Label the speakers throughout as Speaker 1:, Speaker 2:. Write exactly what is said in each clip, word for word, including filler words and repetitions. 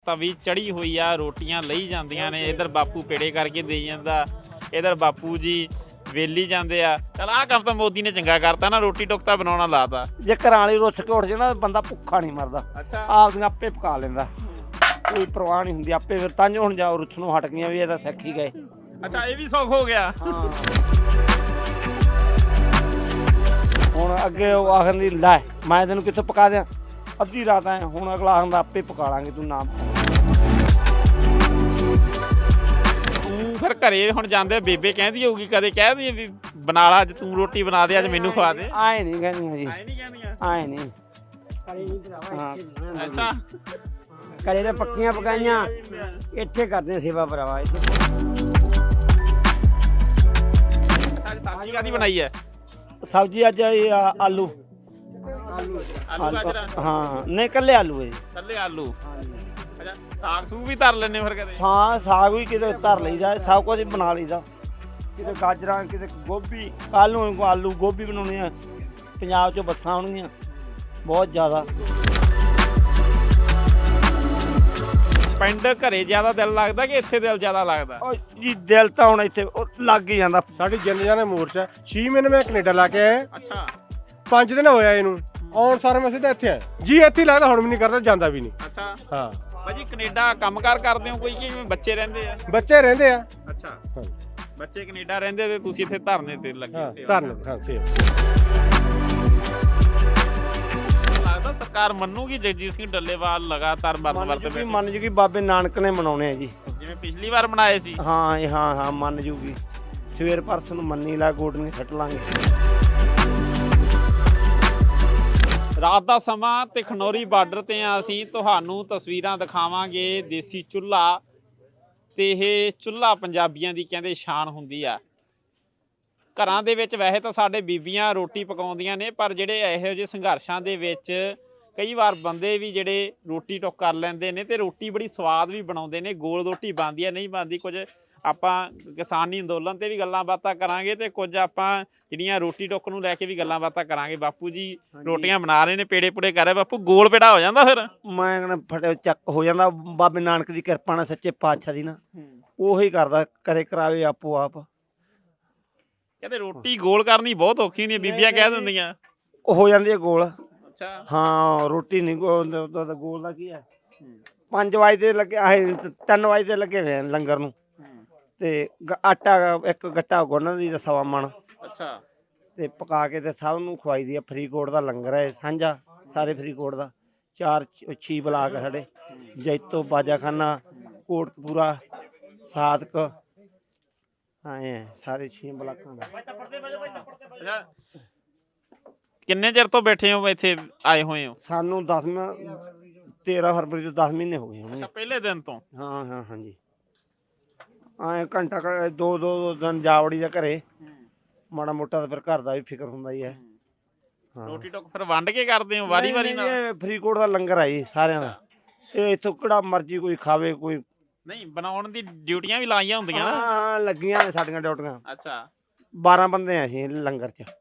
Speaker 1: ਤਵੀ ਚੜੀ ਹੋਈ ਆ, ਰੋਟੀਆਂ ਲਈ ਜਾਂਦੀਆਂ ਨੇ। ਇੱਧਰ ਬਾਪੂ ਪੇੜੇ ਕਰਕੇ ਦੇਈ ਜਾਂਦਾ, ਇੱਧਰ ਬਾਪੂ ਜੀ ਵੇਲੀ ਜਾਂਦੇ ਆ। ਚਲ ਆਹ ਕੰਮ ਤਾਂ ਮੋਦੀ ਨੇ ਚੰਗਾ ਕਰਤਾ ਨਾ, ਰੋਟੀ ਟੁੱਕ ਬਣਾਉਣਾ ਲਾਤਾ।
Speaker 2: ਜੇ ਘਰਾਂ ਵਾਲੀ ਰੁੱਸ ਕੇ ਉੱਠ ਜਾਣਾ ਬੰਦਾ ਭੁੱਖਾ ਨਹੀਂ ਮਰਦਾ।
Speaker 1: ਅੱਛਾ,
Speaker 2: ਆਪਦੀਆਂ ਆਪੇ ਪਕਾ ਲੈਂਦਾ, ਕੋਈ ਪਰਵਾਹ ਨਹੀਂ ਹੁੰਦੀ ਆਪੇ। ਫਿਰ ਤਾਂ ਹੁਣ ਜਾ ਰੁੱਸਣੋਂ ਹਟ ਗਈਆਂ ਵੀ ਇਹ ਤਾਂ ਸਿੱਖ ਹੀ ਗਏ।
Speaker 1: ਅੱਛਾ, ਇਹ ਵੀ ਸੌਖ ਹੋ ਗਿਆ।
Speaker 2: ਹੁਣ ਅੱਗੇ ਉਹ ਆਖਣ ਦੀ ਲੈ ਮੈਂ ਤੈਨੂੰ ਕਿੱਥੋਂ ਪਕਾ ਦਿਆਂ, ਅੱਧੀ ਰਾਤ ਆਏ। ਹੁਣ ਅਗਲਾ ਆਖਦਾ ਆਪੇ ਪਕਾ ਲਾਂਗੇ, ਤੂੰ ਨਾ
Speaker 1: ਤੂੰ ਫਿਰ ਘਰੇ ਹੁਣ ਜਾਂਦੇ ਬੇਬੇ ਕਹਿੰਦੀ ਹੋਊਗੀ, ਕਦੇ ਕਹਿ ਦੀ ਵੀ ਬਣਾ ਲਾ ਅੱਜ, ਤੂੰ ਰੋਟੀ ਬਣਾ ਦੇ ਅੱਜ, ਮੈਨੂੰ ਖਵਾ ਦੇ।
Speaker 2: ਆਏ ਨਹੀਂ ਕਹਿੰਦੀਆਂ ਜੀ,
Speaker 1: ਆਏ ਨਹੀਂ ਕਹਿੰਦੀਆਂ।
Speaker 2: ਆਏ ਨਹੀਂ।
Speaker 1: ਅੱਛਾ,
Speaker 2: ਘਰੇ ਤਾਂ ਪੱਕੀਆਂ ਪਕਾਈਆਂ, ਇੱਥੇ ਕਰਦੇ ਸੇਵਾ ਭਰਾਵਾ। ਇੱਥੇ
Speaker 1: ਸਬਜ਼ੀ ਕਾਹਦੀ ਬਣਾਈ ਹੈ?
Speaker 2: ਸਬਜ਼ੀ ਅੱਜ ਇਹ ਆ ਆਲੂ।
Speaker 1: ਆਲੂ ਗਾਜਰਾਂ?
Speaker 2: ਹਾਂ, ਨਹੀਂ ਕੱਲੇ ਆਲੂ ਹੈ ਜੀ।
Speaker 1: ਕੱਲੇ ਆਲੂ। ਅੱਛਾ, ਸਾਗ ਸੂਗ ਵੀ ਧਰ ਲੈਣੇ ਫਿਰ ਕਦੇ?
Speaker 2: ਹਾਂ, ਸਾਗ ਵੀ ਕਿਤੇ ਧਰ ਲਈਦਾ, ਸਭ ਕੁਝ ਬਣਾ ਲਈਦਾ। ਕਿਤੇ ਗਾਜਰਾਂ, ਕਿਤੇ ਗੋਭੀ। ਕੱਲ ਨੂੰ ਆਲੂ ਗੋਭੀ ਬਣਾਉਣੀ ਆ। ਪੰਜਾਬ 'ਚੋਂ ਬੱਸਾਂ ਆਉਣਗੀਆਂ ਬਹੁਤ ਜ਼ਿਆਦਾ।
Speaker 3: ਪਿੰਡ ਘਰੇ ਜ਼ਿਆਦਾ ਦਿਲ ਲੱਗਦਾ ਕਿ ਇੱਥੇ ਦਿਲ ਜ਼ਿਆਦਾ ਲੱਗਦਾ?
Speaker 2: ਉਹ ਜੀ ਦਿਲ ਤਾਂ ਹੁਣ ਇੱਥੇ ਉਹ ਲੱਗ ਹੀ ਜਾਂਦਾ।
Speaker 4: ਸਾਡੀ ਜਿੰਨ ਜਾਨੇ ਮੋਰਚਾ ਛੇ ਮਹੀਨੇ ਮੈਂ ਕੈਨੇਡਾ ਲਾ ਕੇ ਆਇਆ।
Speaker 1: ਅੱਛਾ,
Speaker 4: ਪੰਜ ਦਿਨ ਹੋਇਆ ਇਹਨੂੰ ਆਉਣ ਸਾਰ ਮੈਂ ਸਿੱਧਾ ਇੱਥੇ ਆਇਆ ਜੀ। ਇੱਥੇ ਲੱਗਦਾ ਹੁਣ ਵੀ ਨਹੀਂ ਕਰਦਾ, ਜਾਂਦਾ ਵੀ ਨਹੀਂ।
Speaker 1: ਅੱਛਾ
Speaker 4: ਹਾਂ
Speaker 1: ਭਾਜੀ, ਕੈਨੇਡਾ ਕੰਮਕਾਰ ਕਰਦੇ ਹੋ ਕੋਈ ਕਿ ਬੱਚੇ ਰਹਿੰਦੇ ਆ?
Speaker 4: ਬੱਚੇ ਰਹਿੰਦੇ ਆ।
Speaker 1: ਅੱਛਾ, ਬੱਚੇ ਕੈਨੇਡਾ ਰਹਿੰਦੇ ਤੇ ਤੁਸੀਂ ਇੱਥੇ ਧਰਨੇ ਤੇ ਲੱਗੇ
Speaker 4: ਹਾਂ
Speaker 1: ਸੀ?
Speaker 4: ਧਰਨ ਹਾਂ ਸੇਵ।
Speaker 1: ਲੱਗਦਾ ਸਰਕਾਰ ਮੰਨੂਗੀ ਜਗਜੀਤ ਸਿੰਘ ਡੱਲੇਵਾਲ ਲਗਾਤਾਰ ਵਰਤ ਵਰਤ
Speaker 2: ਵੀ
Speaker 1: ਬੈਠੇ?
Speaker 2: ਮੰਨ ਜੂਗੀ, ਬਾਬੇ ਨਾਨਕ ਨੇ ਮਨਾਉਣੇ ਆ ਜੀ।
Speaker 1: ਜਿਵੇਂ ਪਿਛਲੀ ਵਾਰ ਬਣਾਏ ਸੀ?
Speaker 2: ਹਾਂ ਇਹ ਹਾਂ ਹਾਂ ਮੰਨ ਜੂਗੀ। ਸਵੇਰ ਪਰਸ ਨੂੰ ਮੰਨੀ ਲਾ, ਗੋਡਨੀ ਸੱਟ ਲਾਂਗੇ।
Speaker 1: ਰਾਤ ਦਾ ਸਮਾਂ ਤੇ ਖਨੌਰੀ ਬਾਰਡਰ ਤੇ ਆ ਅਸੀਂ, ਤੁਹਾਨੂੰ ਤਸਵੀਰਾਂ ਦਿਖਾਵਾਂਗੇ ਦੇਸੀ ਚੁੱਲ੍ਹਾ। ਤੇ ਇਹ ਚੁੱਲ੍ਹਾ ਪੰਜਾਬੀਆਂ ਦੀ ਕਹਿੰਦੇ ਸ਼ਾਨ ਹੁੰਦੀ ਆ। ਘਰਾਂ ਦੇ ਵਿੱਚ ਵੈਸੇ ਤਾਂ ਸਾਡੇ ਬੀਬੀਆਂ ਰੋਟੀ ਪਕਾਉਂਦੀਆਂ ਨੇ, ਪਰ ਜਿਹੜੇ ਇਹੋ ਜਿਹੇ ਸੰਘਰਸ਼ਾਂ ਦੇ ਵਿੱਚ ਕਈ ਵਾਰ ਬੰਦੇ ਵੀ ਜਿਹੜੇ ਰੋਟੀ ਟੁੱਕ ਕਰ ਲੈਂਦੇ ਨੇ ਤੇ ਰੋਟੀ ਬੜੀ ਸਵਾਦ ਵੀ ਬਣਾਉਂਦੇ ਨੇ। ਗੋਲ ਰੋਟੀ ਬਣਦੀ ਆ, ਨਹੀਂ ਬਣਦੀ। ਕੁਝ ਆਪਾਂ ਕਿਸਾਨੀ ਅੰਦੋਲਨ ਤੇ ਵੀ ਗੱਲਾਂ ਬਾਤਾਂ ਕਰਾਂਗੇ ਤੇ ਕੁਝ ਆਪਾਂ ਜਿਹੜੀਆਂ ਰੋਟੀ ਟੁੱਕ ਨੂੰ ਲੈ ਕੇ ਵੀ ਗੱਲਾਂ ਬਾਤਾਂ ਕਰਾਂਗੇ। ਬਾਪੂ ਜੀ ਰੋਟੀਆਂ ਬਣਾ ਰਹੇ ਨੇ, ਪੇੜੇ ਪੂੜੇ ਕਰ ਰਹੇ। ਬਾਪੂ ਗੋਲ ਪੇੜਾ ਹੋ ਜਾਂਦਾ ਫਿਰ?
Speaker 2: ਮੈਂ ਕਹਿੰਦਾ ਫਟੇ ਚੱਕ ਹੋ ਜਾਂਦਾ। ਬਾਬੇ ਨਾਨਕ ਦੀ ਕਿਰਪਾ ਨਾਲ, ਸੱਚੇ ਪਾਤਸ਼ਾਹ ਦੀ ਨਾ, ਉਹੀ ਕਰਦਾ, ਕਰੇ ਕਰਾਵੇ ਆਪੋ ਆਪ।
Speaker 1: ਕਹਿੰਦੇ ਰੋਟੀ ਗੋਲ ਕਰਨੀ ਬਹੁਤ ਔਖੀ ਹੁੰਦੀ ਹੈ, ਬੀਬੀਆਂ ਕਹਿ ਦਿੰਦੀਆਂ।
Speaker 2: ਹੋ ਜਾਂਦੀ ਹੈ ਗੋਲ।
Speaker 1: ਅੱਛਾ,
Speaker 2: ਹਾਂ ਰੋਟੀ ਨਹੀਂ ਗੋਲ। ਗੋਲ ਦਾ ਕੀ ਹੈ, ਪੰਜ ਵਜੇ ਤੇ ਲੱਗੇ ਆਏ, ਤਿੰਨ ਵਜੇ ਤੇ ਲੱਗੇ ਹੋਏ ਲੰਗਰ ਨੂੰ। ਤੇ ਆਟਾ ਇੱਕ ਗੱਟਾ ਗੁੰਨ ਦੀ ਸਵਾ ਮਣ।
Speaker 1: ਅੱਛਾ,
Speaker 2: ਤੇ ਪਕਾ ਕੇ ਤੇ ਸਭ ਨੂੰ ਖਵਾਈ ਦੀ ਆ। ਫਰੀਦਕੋਟ ਦਾ ਲੰਗਰ ਹੈ ਸਾਂਝਾ, ਸਾਰੇ ਫਰੀਦਕੋਟ ਦਾ। ਚਾਰ ਛੀ ਬਲਾਕ ਸਾਡੇ, ਜੈਤੋ, ਬਾਜਾਖਾਨਾ, ਕੋਟਕਪੂਰਾ, ਸਾਦਕ, ਆਏ ਸਾਰੇ ਛੇ ਬਲਾਕਾਂ ਦਾ।
Speaker 1: ਅੱਛਾ, ਕਿੰਨੇ ਚਿਰ ਤੋਂ ਬੈਠੇ ਹੋ ਇੱਥੇ, ਆਏ ਹੋਏ ਹੋ?
Speaker 2: ਸਾਨੂੰ ਦਸਵਾਂ ਤੇਰਾਂ ਫਰਵਰੀ ਤੋਂ ਦਸ ਮਹੀਨੇ ਹੋ ਗਏ ਹੋਣਗੇ।
Speaker 1: ਅੱਛਾ, ਪਹਿਲੇ ਦਿਨ ਤੋਂ?
Speaker 2: ਹਾਂ ਹਾਂ ਹਾਂਜੀ। ਐਂ ਘੰਟਾ ਕੁ ਦੋ ਦੋ ਦਿਨ ਜਾਵੜੀ ਦਾ ਘਰੇ, ਮਾੜਾ ਮੋਟਾ ਤਾਂ ਫਿਰ ਘਰ ਦਾ ਵੀ ਫਿਕਰ ਹੁੰਦਾ ਹੀ ਹੈ। ਹਾਂ,
Speaker 1: ਰੋਟੀ ਟੁੱਕ ਫਿਰ ਵੰਡ ਕੇ ਕਰਦੇ ਹੋ ਵਾਰੀ ਵਾਰੀ ਨਾਲ?
Speaker 2: ਇਹ ਫਰੀਦਕੋਟ ਦਾ ਲੰਗਰ ਆ ਜੀ ਸਾਰਿਆਂ ਦਾ। ਇਹ ਇੱਥੋਂ ਕਿਹੜਾ ਮਰਜ਼ੀ ਕੋਈ ਖਾਵੇ, ਕੋਈ
Speaker 1: ਨਹੀਂ। ਬਣਾਉਣ ਦੀ ਡਿਊਟੀਆਂ ਵੀ ਲਾਈਆਂ ਹੁੰਦੀਆਂ ਨਾ?
Speaker 2: ਹਾਂ ਲੱਗੀਆਂ ਨੇ ਸਾਡੀਆਂ ਡਿਊਟੀਆਂ।
Speaker 1: ਅੱਛਾ,
Speaker 2: ਬਾਰਾਂ ਬੰਦੇ ਆ ਅਸੀਂ ਲੰਗਰ 'ਚ।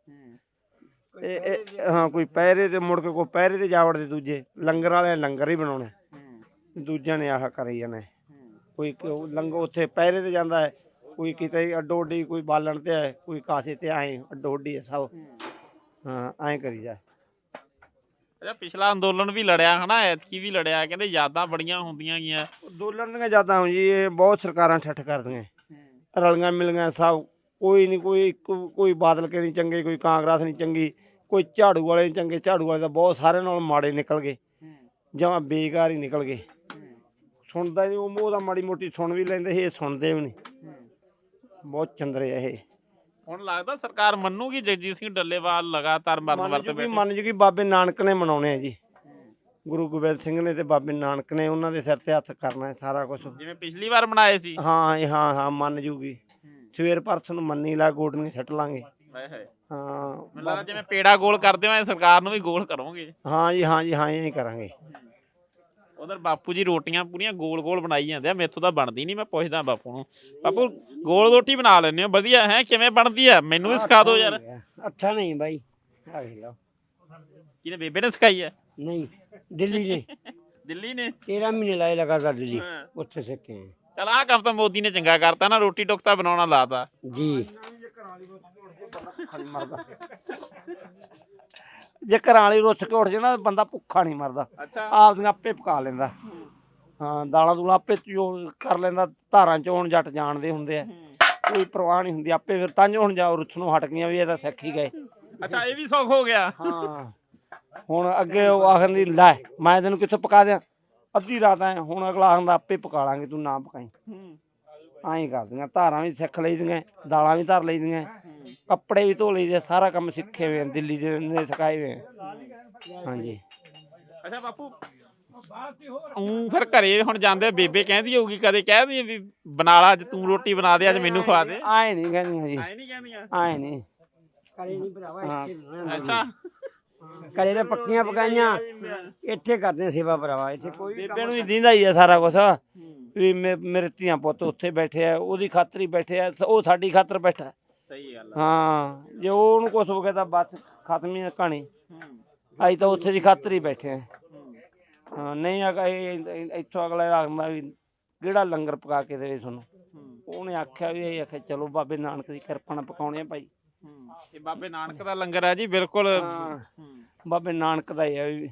Speaker 2: ਇਹ ਹਾਂ ਕੋਈ ਪਹਿਰੇ ਤੇ ਮੁੜ ਕੇ ਕੋਈ ਪਹਿਰੇ ਤੇ ਜਾ ਵੜਦੇ, ਦੂਜੇ ਲੰਗਰ ਵਾਲੇ ਲੰਗਰ ਹੀ ਬਣਾਉਣੇ, ਦੂਜਿਆਂ ਨੇ ਆਹ ਕਰੀ ਜਾਣਾ। ਕੋਈ ਲੰਗਰ ਉੱਥੇ ਪਹਿਰੇ ਤੇ ਜਾਂਦਾ ਹੈ, ਕੋਈ ਕਿਤੇ ਅੱਡੋ ਅੱਡੀ, ਕੋਈ ਬਾਲਣ ਤੇ ਹੈ, ਕੋਈ ਕਾਸੇ ਤੇ ਆਏ ਅੱਡੋ ਅੱਡੀ ਹੈ ਸਭ। ਹਾਂ ਐਂ ਕਰੀ ਜਾ।
Speaker 1: ਅੱਛਾ, ਪਿਛਲਾ ਅੰਦੋਲਨ ਵੀ ਲੜਿਆ ਹਨਾ, ਐਤਕੀ ਵੀ ਲੜਿਆ, ਕਹਿੰਦੇ ਯਾਦਾਂ ਬੜੀਆਂ ਹੁੰਦੀਆਂ ਗੀਆਂ।
Speaker 2: ਅੰਦੋਲਨ ਦੀਆਂ ਯਾਦਾਂ ਜੀ, ਇਹ ਬਹੁਤ ਸਰਕਾਰਾਂ ਠੱਠ ਕਰਦੀਆਂ, ਰਲੀਆਂ ਮਿਲੀਆਂ ਸਭ। ਕੋਈ ਨਹੀਂ, ਕੋਈ ਕੋਈ ਬਾਦਲ ਕੇ ਨਹੀਂ ਚੰਗੇ, ਕੋਈ ਕਾਂਗਰਸ ਨਹੀਂ ਚੰਗੀ, ਕੋਈ ਝਾੜੂ ਵਾਲੇ ਨਹੀਂ ਚੰਗੇ। ਝਾੜੂ ਵਾਲੇ ਤਾਂ ਬਹੁਤ ਸਾਰਿਆਂ ਨਾਲ ਮਾੜੇ ਨਿਕਲ ਗਏ, ਜਮਾਂ ਬੇਕਾਰ ਹੀ ਨਿਕਲ ਗਏ। ਸੁਣਦਾ ਨਹੀਂ ਉਹ, ਉਹਦਾ ਮਾੜੀ ਮੋਟੀ ਸੁਣ ਵੀ ਲੈਂਦੇ ਸੀ, ਇਹ ਸੁਣਦੇ ਵੀ ਨਹੀਂ। ਬਹੁਤ ਚੰਦਰੇ ਇਹ।
Speaker 1: ਹੁਣ ਲੱਗਦਾ ਸਰਕਾਰ ਮੰਨੂਗੀ ਜਗਜੀਤ ਸਿੰਘ ਡੱਲੇਵਾਲ ਲਗਾਤਾਰ ਮਰਨ ਵਰਤ ਬੈਠੇ?
Speaker 2: ਮੰਨ ਜੂਗੀ, ਬਾਬੇ ਨਾਨਕ ਨੇ ਮਨਾਉਣੇ ਆ ਜੀ। ਗੁਰੂ ਗੋਬਿੰਦ ਸਿੰਘ ਨੇ ਤੇ ਬਾਬੇ ਨਾਨਕ ਨੇ, ਉਹਨਾਂ ਦੇ ਸਿਰ ਤੇ ਹੱਥ ਕਰਨਾ ਹੈ ਸਾਰਾ ਕੁਛ।
Speaker 1: ਜਿਵੇਂ ਪਿਛਲੀ ਵਾਰ ਬਣਾਏ ਸੀ?
Speaker 2: ਹਾਂ ਇਹ ਹਾਂ ਹਾਂ ਮੰਨ ਜੂਗੀ। ਸਵੇਰ ਪਰਸ ਨੂੰ ਮੰਨੀ ਲਾ, ਗੋਡਨੀ ਸੱਟ ਲਾਂਗੇ। ਹਾਂ,
Speaker 1: ਮੈਨੂੰ ਲੱਗਦਾ ਜਿਵੇਂ ਪੇੜਾ ਗੋਲ ਕਰਦੇ ਹੋ, ਸਰਕਾਰ ਨੂੰ ਵੀ ਗੋਲ ਕਰੋਗੇ?
Speaker 2: ਹਾਂ ਜੀ ਹਾਂ ਜੀ ਹਾਂ ਇਹ ਕਰਾਂਗੇ।
Speaker 1: ਉਧਰ ਬਾਪੂ ਜੀ ਰੋਟੀਆਂ ਪੂਰੀਆਂ ਗੋਲ ਗੋਲ ਬਣਾਈ ਜਾਂਦੇ ਆ, ਮੇਥੋਂ ਤਾਂ ਬਣਦੀ ਨਹੀਂ। ਮੈਂ ਪੁੱਛਦਾ ਬਾਪੂ ਨੂੰ, ਬਾਪੂ ਗੋਲ ਰੋਟੀ ਬਣਾ ਲੈਂਦੇ ਹੋ ਵਧੀਆ ਹੈ, ਕਿਵੇਂ ਬਣਦੀ ਆ? ਮੈਨੂੰ ਵੀ ਸਿਖਾ ਦਿਓ ਯਾਰ।
Speaker 2: ਅੱਛਾ ਨਹੀਂ ਬਾਈ, ਆ ਵੇਖ ਲਓ।
Speaker 1: ਕਿਹਨੇ, ਬੇਬੇ ਨੇ ਸਿਖਾਈ ਹੈ?
Speaker 2: ਨਹੀਂ, ਦਿੱਲੀ ਨੇ।
Speaker 1: ਦਿੱਲੀ ਨੇ
Speaker 2: ਤੇਰਾਂ ਮਹੀਨੇ ਲਾਏ ਲਗਾਤਾਰ ਦਿੱਲੀ
Speaker 1: ਹਾਂ।
Speaker 2: ਉੱਥੇ ਸਿੱਖੇ ਹਾਂ।
Speaker 1: ਚਲ ਆਹ ਕੰਮ ਤਾਂ ਮੋਦੀ ਨੇ ਚੰਗਾ ਕਰਤਾ ਨਾ, ਰੋਟੀ ਟੁੱਕ ਤਾਂ ਬਣਾਉਣਾ ਲਾਤਾ।
Speaker 2: ਜੀ ਜੇ ਘਰਾਂ ਵਾਲੀ ਰੁੱਸ ਕੇ ਉੱਠ ਜੇ ਨਾ ਬੰਦਾ ਭੁੱਖਾ ਨਹੀਂ ਮਰਦਾ।
Speaker 1: ਅੱਛਾ
Speaker 2: ਆਪਦੀਆਂ ਆਪੇ ਪਕਾ ਲੈਂਦਾ। ਹਾਂ ਦਾਲਾਂ ਦੂਲਾਂ ਆਪੇ ਚੋ ਕਰ ਲੈਂਦਾ। ਧਾਰਾਂ ਚੋਣ ਜੱਟ ਜਾਣਦੇ ਹੁੰਦੇ ਆ, ਕੋਈ ਪਰਵਾਹ ਨਹੀਂ ਹੁੰਦੀ। ਆਪੇ ਫਿਰ ਤਾਂ ਹੁਣ ਜਾਓ ਰੁੱਸਣੋਂ ਹਟ ਗਈਆਂ ਵੀ ਇਹ ਤਾਂ ਸਿੱਖ ਹੀ ਗਏ।
Speaker 1: ਅੱਛਾ ਇਹ ਵੀ ਸੌਖ ਹੋ ਗਿਆ।
Speaker 2: ਹਾਂ ਹੁਣ ਅੱਗੇ ਉਹ ਆਖਣ ਦੀ ਲੈ ਮੈਂ ਤੈਨੂੰ ਕਿੱਥੋਂ ਪਕਾ ਦਿਆਂ, ਅੱਧੀ ਰਾਤ ਆਏ। ਹੁਣ ਅਗਲਾ ਆਖਦਾ ਆਪੇ ਪਕਾ ਲਾਂਗੇ ਤੂੰ ਨਾ ਪਕਾਈ। ਐਂ ਕਰਦੀਆਂ। ਧਾਰਾਂ ਵੀ ਸਿੱਖ ਲਈਦੀਆਂ, ਦਾਲਾਂ ਵੀ ਧਰ ਲਈਦੀਆਂ, ਕੱਪੜੇ ਵੀ ਧੋ ਲਈਦੇ, ਸਾਰਾ ਕੰਮ ਸਿੱਖੇ ਹੋਏ ਆ, ਦਿੱਲੀ ਦੇ ਨੇ ਸਿਖਾਏ ਹੋਏ ਆ। ਹਾਂਜੀ।
Speaker 1: ਅੱਛਾ ਬਾਪੂ ਊਂ ਫਿਰ ਘਰੇ ਹੁਣ ਜਾਂਦੇ ਬੇਬੇ ਕਹਿੰਦੀ ਹੋਊਗੀ, ਕਦੇ ਕਹਿਦੀ ਵੀ ਬਣਾ ਲਾ ਅੱਜ ਤੂੰ ਰੋਟੀ ਬਣਾ ਦੇ, ਅੱਜ ਮੈਨੂੰ ਖਵਾ ਦੇ?
Speaker 2: ਆਏ ਨਹੀਂ ਕਹਿੰਦੀਆਂ ਜੀ,
Speaker 1: ਐ ਨਹੀਂ ਕਹਿੰਦੀਆਂ।
Speaker 2: ਆਏ ਨਹੀਂ ਕਰੇ ਨਹੀਂ ਭਰਾਵਾ।
Speaker 1: ਅੱਛਾ
Speaker 2: ਕਰੇ ਤਾਂ ਪੱਕੀਆਂ ਪਕਾਈਆਂ ਇੱਥੇ ਕਰਦੇ ਆ ਸੇਵਾ ਭਰਾਵਾ। ਇੱਥੇ ਕੋਈ ਬੇਬੇ ਨੂੰ ਹੀ ਦਿੰਦਾ ਹੀ ਆ ਸਾਰਾ ਕੁਛ ਵੀ ਮੇ- ਮੇਰੇ ਧੀਆਂ ਪੁੱਤ ਉੱਥੇ ਬੈਠੇ ਆ, ਉਹਦੀ ਖਾਤਰ ਹੀ ਬੈਠੇ ਆ, ਉਹ ਸਾਡੀ ਖਾਤਰ ਬੈਠਾ।
Speaker 1: ਸਹੀ ਗੱਲ
Speaker 2: ਹਾਂ ਜੇ ਉਹਨੂੰ ਕੁਛ ਹੋ ਗਿਆ ਤਾਂ ਬਸ ਖਤਮ ਹੀ ਆ ਕਹਾਣੀ। ਅਸੀਂ ਤਾਂ ਉੱਥੇ ਦੀ ਖਾਤਰ ਹੀ ਬੈਠੇ ਆ। ਹਾਂ ਨਹੀਂ ਆ ਇੱਥੋਂ ਅਗਲਾ ਆਖਦਾ ਵੀ ਕਿਹੜਾ ਲੰਗਰ ਪਕਾ ਕੇ ਦੇਵੇ ਤੁਹਾਨੂੰ। ਉਹਨੇ ਆਖਿਆ ਵੀ ਇਹ ਆਖਿਆ ਚਲੋ ਬਾਬੇ ਨਾਨਕ ਦੀ ਕਿਰਪਾ ਨਾਲ ਪਕਾਉਣੇ ਆ ਭਾਈ।
Speaker 1: ਇਹ ਬਾਬੇ ਨਾਨਕ ਦਾ ਲੰਗਰ ਹੈ ਜੀ ਬਿਲਕੁਲ।
Speaker 2: ਬਾਬੇ ਨਾਨਕ ਦਾ ਹੀ ਆ ਵੀ।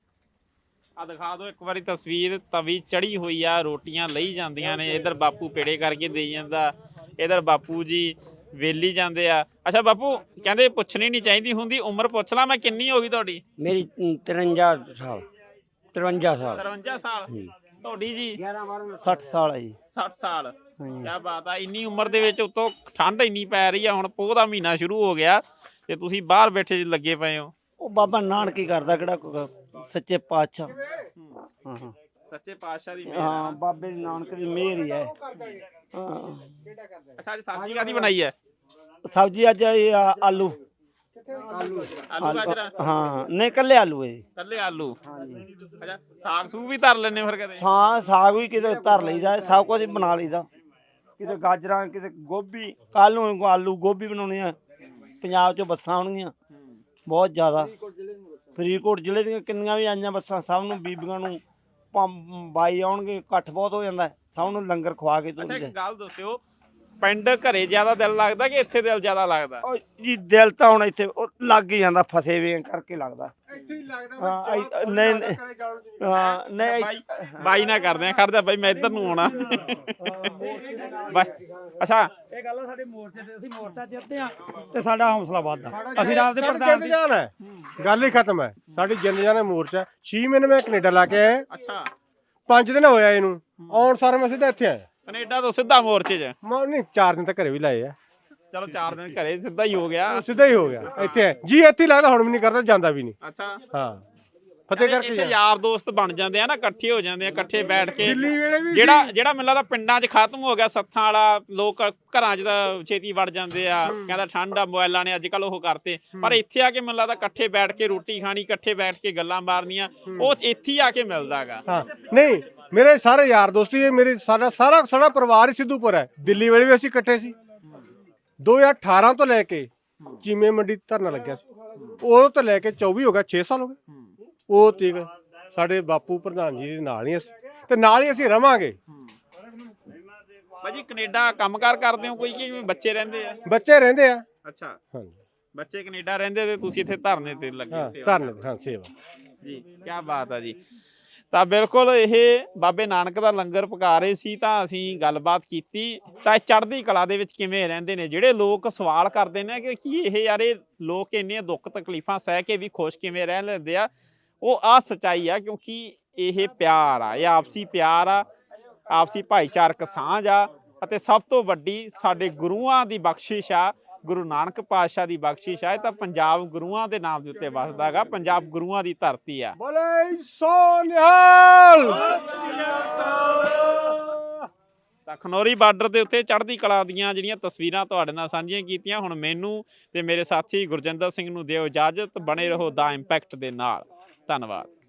Speaker 1: ਆ ਦਿਖਾ ਦਿਓ ਇੱਕ ਵਾਰੀ ਤਸਵੀਰ, ਤਵੀ ਚੜੀ ਹੋਈ ਆ, ਰੋਟੀਆਂ ਲਈ ਜਾਂਦੀਆਂ ਨੇ। ਇਧਰ ਬਾਪੂ ਪੇੜੇ ਕਰਕੇ ਦੇਈ ਜਾਂਦਾ, ਇਧਰ ਬਾਪੂ ਜੀ ਵੇਲੀ ਜਾਂਦੇ ਆ। ਅੱਛਾ ਬਾਪੂ ਕਹਿੰਦੇ ਪੁੱਛਣੀ ਨਹੀਂ ਚਾਹੀਦੀ ਹੁੰਦੀ, ਉਮਰ ਪੁੱਛ ਲਾ ਮੈਂ ਕਿੰਨੀ ਹੋ ਗਈ ਤੁਹਾਡੀ?
Speaker 2: ਮੇਰੀ ਤਿਰਵੰਜਾ ਸਾਲ ਤਿਰਵੰਜਾ ਸਾਲ
Speaker 1: ਤਰਵੰਜਾ ਸਾਲ। ਤੁਹਾਡੀ ਜੀ?
Speaker 2: ਸੱਠ ਸਾਲ ਹੈ ਜੀ।
Speaker 1: ਸੱਠ ਸਾਲ। ਕਿਆ ਬਾਤ ਆ। ਇੰਨੀ ਉਮਰ ਦੇ ਵਿੱਚ ਉਤੋਂ ਠੰਡ ਇੰਨੀ ਪੈ ਰਹੀ ਆ, ਹੁਣ ਪੋਹ ਦਾ ਮਹੀਨਾ ਸ਼ੁਰੂ ਹੋ ਗਿਆ ਤੇ ਤੁਸੀਂ ਬਾਹਰ ਬੈਠੇ ਲੱਗੇ ਪਏ ਹੋ।
Speaker 2: ਉਹ ਬਾਬਾ ਨਾਨਕ ਹੀ ਕਰਦਾ ਕਿਹੜਾ ਕੋਈ ਸੱਚੇ ਪਾਤਸ਼ਾਹ। ਹਾਂ ਹਾਂ
Speaker 1: ਸੱਚੇ ਪਾਤਸ਼ਾਹ ਦੀ ਮਿਹਰ।
Speaker 2: ਹਾਂ ਬਾਬੇ ਨਾਨਕ ਦੀ ਮਿਹਰ ਹੀ ਹੈ। ਹਾਂ
Speaker 1: ਅੱਛਾ ਅੱਜ ਸਬਜ਼ੀ ਕਾਹਦੀ ਬਣਾਈ ਹੈ?
Speaker 2: ਸਬਜ਼ੀ ਅੱਜ ਇਹ ਆ ਆਲੂ।
Speaker 1: ਆਲੂ ਗਾਜਰਾਂ?
Speaker 2: ਹਾਂ ਨਹੀਂ ਕੱਲੇ ਆਲੂ ਹੈ ਜੀ।
Speaker 1: ਕੱਲੇ ਆਲੂ। ਅੱਛਾ ਸਾਗ ਸੂਗ ਵੀ ਧਰ ਲੈਣੇ ਫਿਰ ਕਦੇ?
Speaker 2: ਹਾਂ ਸਾਗ ਵੀ ਕਿਤੇ ਧਰ ਲਈਦਾ, ਸਭ ਕੁਝ ਹੀ ਬਣਾ ਲਈਦਾ। ਕਿਤੇ ਗਾਜਰਾਂ, ਕਿਤੇ ਗੋਭੀ। ਕੱਲ ਨੂੰ ਆਲੂ ਗੋਭੀ ਬਣਾਉਣੀ ਆ। ਪੰਜਾਬ ਚੋਂ ਬੱਸਾਂ ਆਉਣਗੀਆਂ ਬਹੁਤ ਜ਼ਿਆਦਾ। ਫਰੀਦਕੋਟ ਜ਼ਿਲ੍ਹੇ ਦੀਆਂ ਕਿੰਨੀਆਂ ਵੀ ਆਈਆਂ ਬੱਸਾਂ, ਸਭ ਨੂੰ ਬੀਬੀਆਂ ਨੂੰ ਪੰਜ ਬਾਈ ਆਉਣਗੇ, ਇਕੱਠ ਬਹੁਤ ਹੋ ਜਾਂਦਾ, ਸਭ ਨੂੰ ਲੰਗਰ ਖਵਾ ਕੇ
Speaker 1: ਅੱਛਾ
Speaker 2: ਤੋਰਦੇ।
Speaker 1: ਇੱਕ ਗੱਲ ਦੱਸਿਓ, ਪਿੰਡ ਘਰੇ ਜ਼ਿਆਦਾ ਦਿਲ ਲੱਗਦਾ ਕਿ ਇੱਥੇ ਦਿਲ ਜ਼ਿਆਦਾ ਲੱਗਦਾ?
Speaker 2: ਉਹ ਜੀ ਦਿਲ ਤਾਂ ਹੁਣ ਇੱਥੇ ਉਹ ਲੱਗ ਹੀ ਜਾਂਦਾ, ਫਸੇ ਵੇ ਕਰਕੇ ਲੱਗਦਾ।
Speaker 4: ਇੱਥੇ ਹੀ ਲੱਗਦਾ
Speaker 2: ਹਾਂ ਨਹੀਂ ਨਹੀਂ ਹਾਂ ਨਹੀਂ
Speaker 1: ਬਾਈ ਬਾਈ ਨਾ ਕਰਦੇ ਆ, ਖੜਦਾ ਬਾਈ ਮੈਂ ਇੱਧਰ ਨੂੰ ਆਉਣਾ। ਬਾਈ ਅੱਛਾ
Speaker 5: ਇਹ ਗੱਲ ਆ ਸਾਡੇ ਮੋਰਚੇ ਤੇ, ਅਸੀਂ ਮੋਰਚਾ ਜਿੱਤਦੇ ਆ ਤੇ ਸਾਡਾ ਹੌਸਲਾ ਵੱਧਦਾ। ਅਸੀਂ ਰਾਤ ਦੇ
Speaker 4: ਸਾਡੀ
Speaker 5: ਪ੍ਰਧਾਨ
Speaker 4: ਜਿੰਦ ਜਾਨ ਹੈ, ਗੱਲ ਹੀ ਖਤਮ ਹੈ। ਸਾਡੀ ਜਿੰਦ ਜਾਨ ਹੈ ਮੋਰਚਾ। ਛੇ ਮਹੀਨੇ ਮੈਂ ਕੈਨੇਡਾ ਲਾ ਕੇ ਆਇਆ,
Speaker 1: ਅੱਛਾ
Speaker 4: ਪੰਜ ਦਿਨ ਹੋਇਆ ਇਹਨੂੰ ਆਉਣ ਸਾਰ ਮੈਂ ਸਿੱਧਾ ਇੱਥੇ ਆਇਆ।
Speaker 1: ਕੈਨੇਡਾ ਤੋਂ ਸਿੱਧਾ ਮੋਰਚੇ 'ਚ?
Speaker 4: ਮੈਂ ਨਹੀਂ ਚਾਰ ਦਿਨ ਤਾਂ ਘਰੇ ਵੀ ਲਾਏ ਆ।
Speaker 1: ਚਲੋ ਚਾਰ ਦਿਨ ਘਰੇ ਸਿੱਧਾ ਹੀ ਹੋ ਗਿਆ।
Speaker 4: ਸਿੱਧਾ ਹੀ ਹੋ ਗਿਆ ਇੱਥੇ ਆਇਆ। ਜੀ ਇੱਥੇ ਹੀ ਲੱਗਦਾ, ਹੁਣ ਵੀ ਨਹੀਂ ਕਰਦਾ, ਜਾਂਦਾ ਵੀ ਨਹੀਂ।
Speaker 1: ਅੱਛਾ
Speaker 4: ਹਾਂ ਫਤਿਹ ਕਰਕੇ
Speaker 1: ਇੱਥੇ ਯਾਰ ਦੋਸਤ ਬਣ ਜਾਂਦੇ ਆ ਨਾ, ਇਕੱਠੇ ਹੋ ਜਾਂਦੇ ਆ, ਇਕੱਠੇ ਬੈਠ ਕੇ।
Speaker 4: ਦਿੱਲੀ ਵੇਲੇ ਵੀ
Speaker 1: ਜਿਹੜਾ ਜਿਹੜਾ ਮੈਨੂੰ ਲੱਗਦਾ ਪਿੰਡਾਂ 'ਚ ਖਤਮ ਹੋ ਗਿਆ ਸੱਥਾਂ ਵਾਲਾ, ਲੋਕ ਘਰਾਂ 'ਚ ਤਾਂ ਛੇਤੀ ਵੜ ਜਾਂਦੇ ਆ, ਕਹਿੰਦਾ ਠੰਡ ਆ, ਮੋਬਾਈਲਾਂ ਨੇ ਅੱਜ ਕੱਲ ਉਹ ਕਰਤੇ। ਪਰ ਇੱਥੇ ਆ ਕੇ ਮੈਨੂੰ ਲੱਗਦਾ ਇਕੱਠੇ ਬੈਠ ਕੇ ਰੋਟੀ ਖਾਣੀ, ਇਕੱਠੇ ਬੈਠ ਕੇ ਗੱਲਾਂ ਮਾਰਨੀਆਂ, ਉਹ ਇੱਥੇ ਹੀ ਆ ਕੇ ਮਿਲਦਾ ਹੈਗਾ।
Speaker 4: ਹਾਂ ਨਹੀਂ ਮੇਰੇ ਸਾਰੇ ਯਾਰ ਦੋਸਤੀ ਇਹ ਮੇਰੇ ਸਾਡਾ ਸਾਰਾ ਸਾਡਾ ਪਰਿਵਾਰ ਹੀ ਸਿੱਧੂਪੁਰ ਹੈ। ਦਿੱਲੀ ਵੇਲੇ ਵੀ ਅਸੀਂ ਇਕੱਠੇ ਸੀ। ਦੋ ਹਜ਼ਾਰ ਅਠਾਰਾਂ ਤੋਂ ਲੈ ਕੇ ਚੀਮੇ ਮੰਡੀ ਧਰਨਾ ਲੱਗਿਆ ਸੀ, ਉਹ ਤੋਂ ਲੈ ਕੇ ਚੌਵੀ ਹੋ ਗਿਆ, ਛੇ ਸਾਲ ਹੋ ਗਏ। ਉਹ ਤੀਕ ਸਾਡੇ ਬਾਪੂ ਪ੍ਰਧਾਨ ਜੀ ਦੇ ਨਾਲ ਹੀ ਅਸੀਂ ਤੇ ਨਾਲ ਹੀ ਅਸੀਂ ਰਵਾਂਗੇ।
Speaker 1: ਭਾਜੀ ਕੈਨੇਡਾ ਕੰਮਕਾਰ ਕਰਦੇ ਹੋ ਕੋਈ ਕਿ ਬੱਚੇ ਰਹਿੰਦੇ ਆ?
Speaker 4: ਬੱਚੇ ਰਹਿੰਦੇ ਆ।
Speaker 1: ਅੱਛਾ
Speaker 4: ਹਾਂਜੀ
Speaker 1: ਬੱਚੇ ਕੈਨੇਡਾ ਰਹਿੰਦੇ ਤੇ ਤੁਸੀਂ ਇੱਥੇ ਧਰਨੇ ਤੇ ਲੱਗੇ
Speaker 4: ਹਾਂ
Speaker 1: ਸੇਵਾ
Speaker 4: ਧਰਨੇ ਹਾਂ ਸੇਵਾ
Speaker 1: ਜੀ। ਕੀ ਬਾਤ ਆ ਜੀ। ਤਾਂ ਬਿਲਕੁਲ ਇਹ ਬਾਬੇ ਨਾਨਕ ਦਾ ਲੰਗਰ ਪਕਾ ਰਹੇ ਸੀ, ਤਾਂ ਅਸੀਂ ਗੱਲਬਾਤ ਕੀਤੀ। ਤਾਂ ਚੜ੍ਹਦੀ ਕਲਾ ਦੇ ਵਿੱਚ ਕਿਵੇਂ ਰਹਿੰਦੇ ਨੇ? ਜਿਹੜੇ ਲੋਕ ਸਵਾਲ ਕਰਦੇ ਨੇ ਕਿ ਕੀ ਇਹ ਯਾਰ ਇਹ ਲੋਕ ਇੰਨੀਆਂ ਦੁੱਖ ਤਕਲੀਫਾਂ ਸਹਿ ਕੇ ਵੀ ਖੁਸ਼ ਕਿਵੇਂ ਰਹਿ ਲੈਂਦੇ ਆ, ਉਹ ਆ ਸੱਚਾਈ ਆ। ਕਿਉਂਕਿ ਇਹ ਪਿਆਰ ਆ, ਇਹ ਆਪਸੀ ਪਿਆਰ ਆ, ਆਪਸੀ ਭਾਈਚਾਰਕ ਸਾਂਝ ਆ, ਅਤੇ ਸਭ ਤੋਂ ਵੱਡੀ ਸਾਡੇ ਗੁਰੂਆਂ ਦੀ ਬਖਸ਼ਿਸ਼ ਆ, ਗੁਰੂ ਨਾਨਕ ਪਾਤਸ਼ਾਹ ਦੀ ਬਖਸ਼ਿਸ਼ ਆ। ਇਹ ਤਾਂ ਪੰਜਾਬ ਗੁਰੂਆਂ ਦੇ ਨਾਮ ਦੇ ਉੱਤੇ ਵਸਦਾ ਹੈਗਾ, ਪੰਜਾਬ ਗੁਰੂਆਂ ਦੀ ਧਰਤੀ ਆ।
Speaker 4: ਬੋਲੇ ਸੋ ਨਿਹਾਲ।
Speaker 1: ਤਾਂ ਖਨੌਰੀ ਬਾਰਡਰ ਦੇ ਉੱਤੇ ਚੜ੍ਹਦੀ ਕਲਾ ਦੀਆਂ ਜਿਹੜੀਆਂ ਤਸਵੀਰਾਂ ਤੁਹਾਡੇ ਨਾਲ ਸਾਂਝੀਆਂ ਕੀਤੀਆਂ। ਹੁਣ ਮੈਨੂੰ ਤੇ ਮੇਰੇ ਸਾਥੀ ਗੁਰਜਿੰਦਰ ਸਿੰਘ ਨੂੰ ਦਿਓ ਇਜਾਜ਼ਤ। ਬਣੇ ਰਹੋ ਦਾ ਇੰਪੈਕਟ ਦੇ ਨਾਲ। ਧੰਨਵਾਦ।